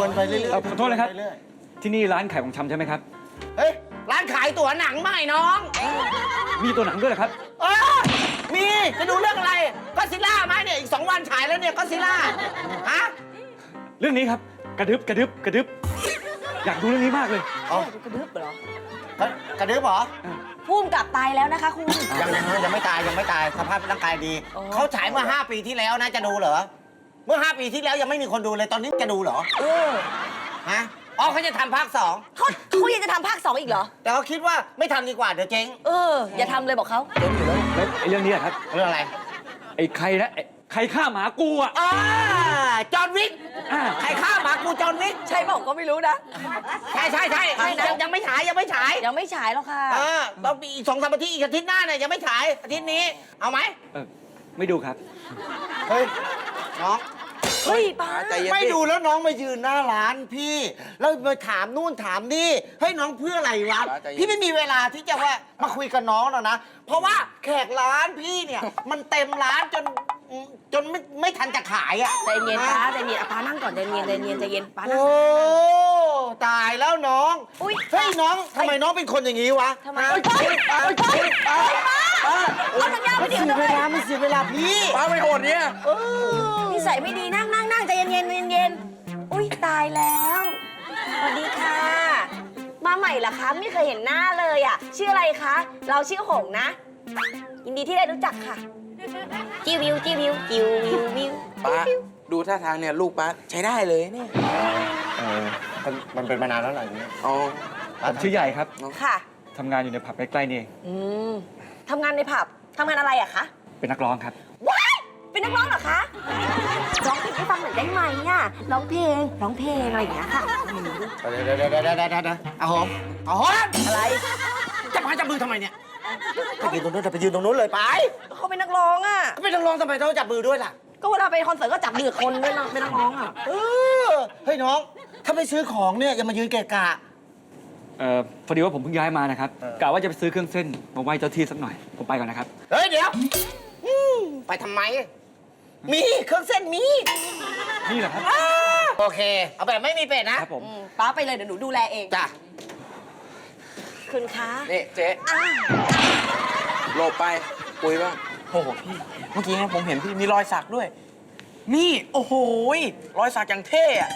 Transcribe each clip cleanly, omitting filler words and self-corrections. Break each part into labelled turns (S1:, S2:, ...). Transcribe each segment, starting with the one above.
S1: วนไปเรื่อยๆ
S2: ขอโทษนะครับ ที่นี่ร้านขายของชำใช่ไหมครับ
S1: เฮ้ยร้านขายตั๋วหนังไม่น้อง
S2: มีตัวหนังด้วยเหรอครับ
S1: เออมีจะดูเรื่องอะไรก็ซิล่าไหมเนี่ยอีก2 วันฉายแล้วเนี่ยก็ซิล่าฮะ
S2: เรื่องนี้ครับกระดึบกระดึบกระดึบอยากดูเรื่องนี้มากเลย
S1: อ๋อก
S3: ระดึ๊บเหรอ
S1: กระดึ๊บเหรอ
S3: พุ่มกลับตายแล้วนะคะคุณ
S1: ยังไม่ตายสภาพร่างกายดี
S3: อ๋อ
S1: เขาฉายเมื่อ5 ปีที่แล้วนะจะดูเหรอเมื่อ5 ปีที่แล้วยังไม่มีคนดูเลยตอนนี้จะดูเหรอ
S3: เออ
S1: ฮะอ๋อเขาจะทำภาค 2
S3: เขายังจะทำภาค 2อีกเหรอ
S1: แต่เขาคิดว่าไม่ทำดีกว่าเดี๋ยวเจ๊ง
S3: เออ อย่าทำเลยบอกเขา
S2: แล้วไอ้เรื่องนี้อะครับ
S1: เรื่องอะไร
S2: ไอ้ใครนะไอ้ใครฆ่าหมากูอ่ะ
S1: จอห์นวิก
S2: อ่า
S1: ใครฆ่าหมากูจอห์นวิก
S3: ใช่บอกก็ไม่รู้นะ
S1: ใช่ยังไม่ฉาย
S3: ยังไม่ฉายหรอกค่ะ
S1: ต้องมีอีก2-3 อาทิตย์อีกอาทิตย์หน้าเนี่ยยังไม่ฉายอาทิตย์นี้เอาไหม
S2: ไม่ดูครับ
S1: เฮ้ยน้อง
S3: เฮ้ยป้า
S4: ใจเย็น
S1: ไม่ดูแล้วน้องมายืนหน้าร้านพี่แล้วมาถามนู่นถามนี่ให้น้องเพื่ออะไรวะพี่ไม่มีเวลาที่จะว่ามาคุยกับน้องหรอกนะเพราะว่าแขกร้านพี่เนี่ยมันเต็มร้านจนไม่ทันจะขายอ่ะ
S3: ใจเย็นป้าใจเย็นป้านั่งก่อนใจเย็นใจเย็นป้านั่ง
S1: โอ้ตายแล้วน้อง
S3: อุ๊ย
S1: เฮ้ยน้องทำไมน้องเป็นคนอย่างนี้วะ
S3: ทำไม
S1: เฮ้ย
S3: เอาสัญญาณ
S1: มั
S3: ไม่
S1: น
S3: เดี๋
S1: เสี
S3: ยวย
S1: เวลามันเสียเวลาพี่
S4: ป้าไม่โหดเนี่ย
S3: นิสัยไม่ดีนั่งใจเย็นอุ้ยตายแล้วสวัสดีค่ะ มาใหม่เหรอคะไม่เคยเห็นหน้าเลยอ่ะชื่ออะไรคะเราชื่อหงนะยินดีที่ได้รู้จักค่ะจิววิว
S4: ป้าดูท่าทางเนี่ยลูกป้าใช้ได้เลยเนี่ย
S1: มันเป็นมานานแล้วหรออย่างนี้
S4: อ๋อ
S2: ผมชื่อใหญ่ครับ
S3: ค่ะ
S2: ทำงานอยู่ในผับใกล้ๆนี่เอง
S3: ทำงานในผับทำงานอะไรอะคะ
S2: เป็นนักร้องครับ
S3: ว้ายเป็นนักร้องเหรอคะร้องเพลงให้ฟังหน่อยได้ไหมอ่ะร้องเพลงอะไรอย่างเงี้ยค่ะ
S1: เดี๋ยวเอาหอม
S3: อะไร
S1: จะมาจับมือทำไมเนี่ยไปยืนตรงนู้นไปยืนตรงนู้นเลยไป
S3: เขาเป็นนักร้องอ่ะ
S1: ก็ไม่ต้องร้องทำไมต้องจับมือด้วยล่ะ
S3: ก็เวลาไปคอนเสิร์ตก็จับมือคนด้วยนะเป็นนักร้องอ่ะ
S1: เฮ้ยน้อง ถ้าไม่ซื้อของเนี่ยอย่ามายืนเกะกะ
S2: พอดีว่าผมเพิ่งย้ายมานะครับกะว่าจะไปซื้อเครื่องเส้นมาไหว้เจ้าที่สักหน่อย ผมไปก่อนนะครับ
S1: เฮ้ยเดี๋ยวไปทำไม มีเครื่องเส้นมี
S2: นี่แหละครับ
S1: โอเค เอาแบบไม่มีเป็ดนะครับ
S2: ผม
S3: ป้าไปเลยเดี๋ยวหนูดูแลเอง
S1: จ้ะ
S3: คุณคะ
S4: นี่เจ๊
S3: อ้าว
S4: โลบไปคุยบ้างโอ้โหพี่ เมื่อกี้เนี่ยผมเห็นพี่มีรอยสักด้วย นี่ โอ้โหรอยสักอย่างเท่อะ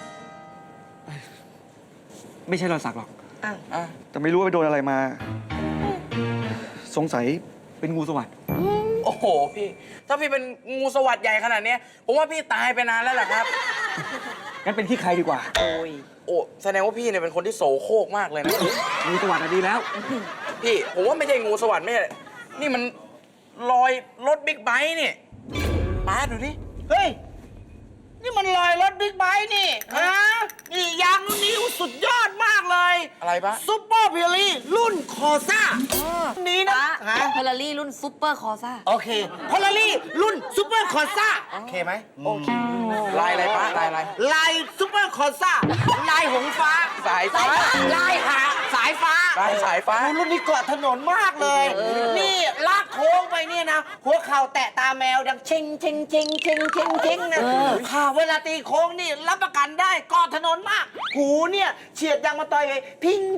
S2: ไม่ใช่รอยสักหรอก
S4: อ่ะ
S2: แต่ไม่รู้ว่าไปโดนอะไรมา สงสัยเป็นงูสวัสด์
S4: โอ้โหพี่ ถ้าพี่เป็นงูสวัสด์ใหญ่ขนาดเนี้ยผมว่าพี่ตายไปนานแล้วแหละครับ
S2: งั้นเป็นขี้ใครดีกว่า
S3: โอ้ย
S4: โอ้แสดงว่าพี่เนี่ยเป็นคนที่โสโครกมากเลยนะ
S2: งูสวัสด์อะดีแล้ว
S4: พี่ผมว่าไม่ใช่งูสวัสด์ไม่ใช่นี่มันรอยรถบิ๊กไบค์นี่ป้าดูดิ
S1: เฮ้ย นี่มันลอยรถบิ๊กไบค์นี่ฮะนี่ยางรุ่นนี้สุดยอดมากเลย
S4: อะไรปะ
S1: ซุปเปอร์เพียรี่รุ่นคอซ่านี้นะ
S3: ป้า
S1: ฮะ
S3: เฟอร์รารี่รุ่นซุปเปอร์คอซ่า
S1: โอเคพอลารี่รุ่นซุปเปอร์คอซ่าโอเคไหม
S4: โอเคลายอะไรป้าลายอะไร
S1: ลายซุปเปอร์คอซ่าลายหงฟ้า
S4: สายฟ้า
S1: ลายหาสายฟ้า
S4: ลายสายฟ้า
S1: รุ่นนี้เกาะถนนมากเลย นี่ลากโค้งไปเนี่ยนะ หัวเข่าแตะตาแมวดังเชงนะค่ะเวลาตีโค้งนี่รับประกันได้เกาะถนนมาก หูเนี่ยเฉียดยางมาต่อยไปพิง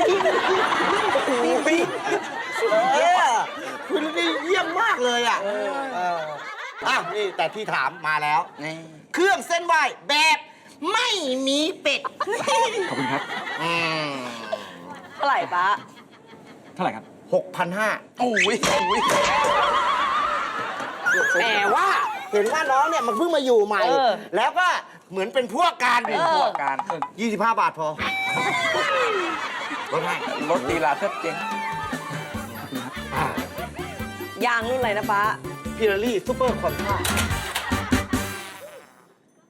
S1: คุณนี่เยี่ยมมากเลยอ่ะอ้าวนี่แต่ที่ถามมาแล้ว
S4: นี่
S1: เครื่องเส้นไหวแบบไม่มีเป็ด
S2: ขอบคุณครับ
S3: เท่าไหร่ป้า
S2: เท่าไหร่ครับ
S1: 6,500
S4: โอ้ย
S1: แต่ว่าเห็นว่าน้องเนี่ยมันเพิ่งมาอยู่ใหม่ แล้วก็เหมือนเป็นพวกกัน
S4: เป็นพวกการ
S1: 25 บาทพอลดให้
S4: รถตีลาแทบเจ๊ง
S3: ยางรุ่นอะไรนะป้า
S1: พิลารี่ซูเปอร์คอนท่า